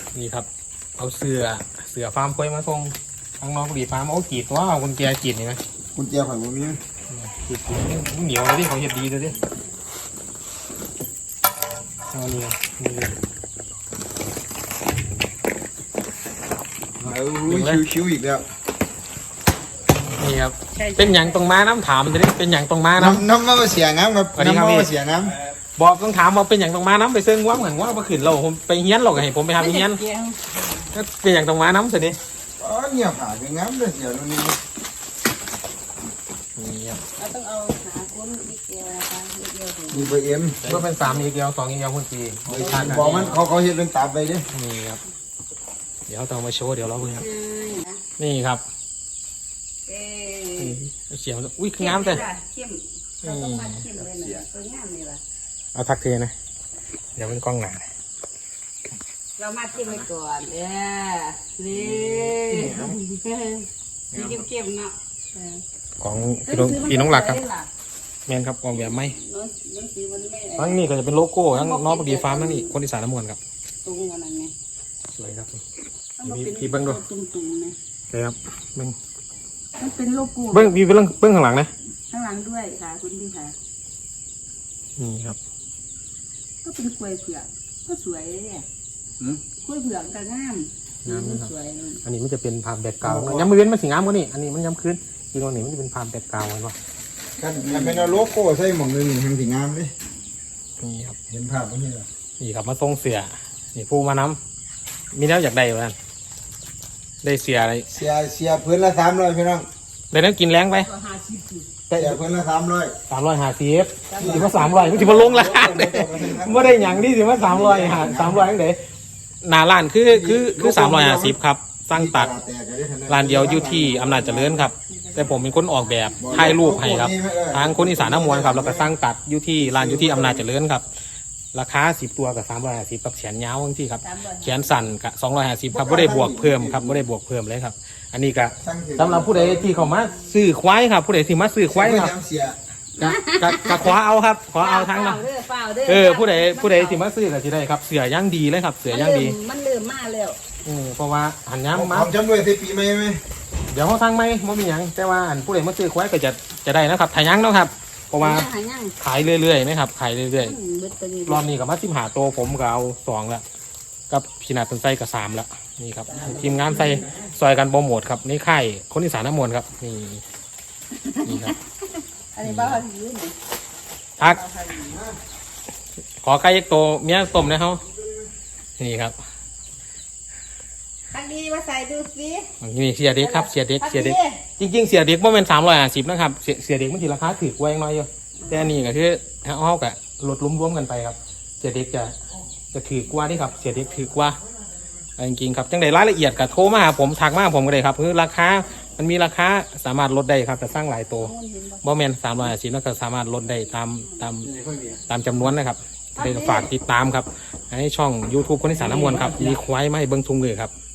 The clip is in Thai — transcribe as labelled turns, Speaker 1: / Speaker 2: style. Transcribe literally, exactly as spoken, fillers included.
Speaker 1: นี่ครับเอาเสือเสือฟาร์มควายมาส่งทางน้องดีฟาร์มโอ้กีดว่าเอากุญแจกีดนี่ไหม
Speaker 2: กุญแจข่อยบ่มี
Speaker 1: กีดมันเหนียวเลยดิเขาเห็ดดีเลยดิเอานี่นี่
Speaker 2: เอาชิวๆอีกแล้ว
Speaker 1: นี่ครับเป็นอย่างตรงม้าน้ำถามจะได้เป็นอย่างตรงม้าน้ำ
Speaker 2: น้ำมาเสียน้ำครับน้ำมาเสียน้
Speaker 1: ำบอกต้องถามว่าเป็นอย่างตรงม้าน้ำไปเซิงว่าเหมือนว่ามาขืนเราผมไปเฮี้ยนหรอกไงผมไปทำเฮี้ยนก็เป็นอย่างตรงม้าน้ำสิดิ
Speaker 2: อ๋อเนี่ยผ่าเป็นน้ำเลยเดี๋ยวนี้นี่
Speaker 1: ครับ
Speaker 3: เราต้องเอาหาคนนิดเดียวนะคะนิดเดียวถึง
Speaker 2: มีเบอร์เอ็ม
Speaker 1: ก็เป็นสามอีกเดียวสองอีกเดียวคุณจี
Speaker 2: บอกมันเขาเขาเห็นเป็นตับไปดิ
Speaker 1: นี่ครับเดี๋ยวต้องมาโชว์เดี๋ยวเราเพิ่งครับนี่ครับเสียงอุ้ยงามแต่เอาทักเทนะเดี๋ยวเป็นกล้องหนา
Speaker 3: เรามาจิ้มไปก่อนเด้อนี่นี่เข้มๆเนาะ
Speaker 1: ของพี่น้องพี่น้องหลักครับแมนครับออกแบบไหมทั้งนี้ก็จะเป็นโลโก้ทั้งน้องปดีฟาร์มทั้งนี้คนอีสานน้ำมวลครับ
Speaker 3: ตรงอะไรไง
Speaker 1: สวยครับพี่เบิ้งดูใช่ครับเบิ้ง
Speaker 3: มันเป็นโลโก้
Speaker 1: เบิ้งพี่เบิ้งเบิ้งข้างหลังนะ
Speaker 3: ข้างหลังด้วยค่ะคุณพี่ค่ะ
Speaker 1: นี่ครับ
Speaker 3: ก็เป็นกล้วยเผือกก็สวยกล้วยเผือกก็งามงามสวย
Speaker 1: อันนี้มันจะเป็นพามแบกเก่าย้ำมือเว้นมันสีงามกว่านี่อันนี้มันย้ำคืนอีกตรงนี้มันจะเป็นพามแบกเก่าเนาะ
Speaker 2: กันกันเป็นโลโก้ใส่หม่องนึงทางสีงามเลย
Speaker 1: นี่ครับ
Speaker 2: เห็นภาพตรงนี้เหรอ
Speaker 1: นี่ครับมาทรงเสือนี่ผู้มาน้ำมีแล้วอยากได้เหมือนกันได้เสียอะไร
Speaker 2: เสียเสียพื้นละสามร้อยพี่น้อง
Speaker 1: ได้แล้วกินแรงไป
Speaker 2: เสียพื้นละสามร้อย
Speaker 1: สามร้อยหาสิบถือว่าสามร้อยไม่ถือว่าลงราคาเลยไม่ได้อย่างนี้ถือว่าสามร้อยหาสามร้อยยังไงหนาล้านคือคือคือสามร้อยหาสิบครับสร้างตัดร้านเดียวอยู่ที่อำนาจเจริญครับแต่ผมเป็นคนออกแบบถ่ายรูปให้ครับทางคนอีสานน้ำมวลครับแล้วก็สร้างตัดอยู่ที่ร้านอยู่ที่อำนาจเจริญครับราคาสิบตัวกับสามร้อยห้าสิบกับแขนยาวทั้งที่ครับแขนสั่นกับสองร้อยห้าสิบครับไม่ได้บวกเพิ่มครับไม่ได้บวกเพิ่มเลยครับอันนี้ก็สำหรับผู้ใดที่เขามาซื้อควายครับผู้ใดที่มาซื้อควายครับกับกับขอเอาครับขอเอาทั้งนะเออผู้ใดผู้ใดที่มาซื้อก็จะได้ครับเสือย่างดีเลยครับเสือย่างดี
Speaker 3: มันลืมมากแล้ว
Speaker 1: อืมเพราะว่าหันย้ำมา
Speaker 2: จำด้วยที่ปีใหม่ไหม
Speaker 1: เดี๋ยวเขาทั้งไม่ไม่มีอย่างแต่ว่าอันผู้ใดมาซื้อควายก็จะจะได้นะครับถ่ายยั้งเนาะครับเพราะว่าขายเรื่อยๆไหมครับขายเรื่อยๆรอบนี้กับมาจิ้มหาโตผมก็เอาสองละกับพีนาตันไส้กับสามละนี่ครับทีมงานใส่ซอยกันโปรโมทครับนี่ค่ายคนอีสานน้ำมวลครับนี่นี่ครับ
Speaker 3: อันนี้บ้าที่ยืน
Speaker 1: ทักขอไก่ยักโตเมียต้มนะเขานี่ครับ
Speaker 3: ทักดีมาใส่ดูสิ
Speaker 1: นี่เสียเด็กครับเสียเด็กเสียเด็กจริงๆเสียเด็กว่าเป็นสามร้อยห้าสิบนะครับเสียเสียเด็กมันทีราคาถือกว่ายังน้อยอยู่แต่อันนี้ก็คือเอากับลดล้มรวมกันไปครับเสียเด็กจะจะถือกว่าที่ครับเสียเด็กถือกว่าจริงๆครับจังใดรายละเอียดกับโทรมาหาผมทักมาผมก็ได้ครับคือราคามันมีราคาสามารถลดได้ครับแต่สร้างหลายตัวบ่แมนสามร้อยห้าสิบแล้วก็สามารถลดได้ตามตามตามจำนวนนะครับเลยฝากติดตามครับให้ช่อง ยูทูบ คนอีสานน้ำมวลครับมีควายมาให้เบิ้งทุงเลยครับ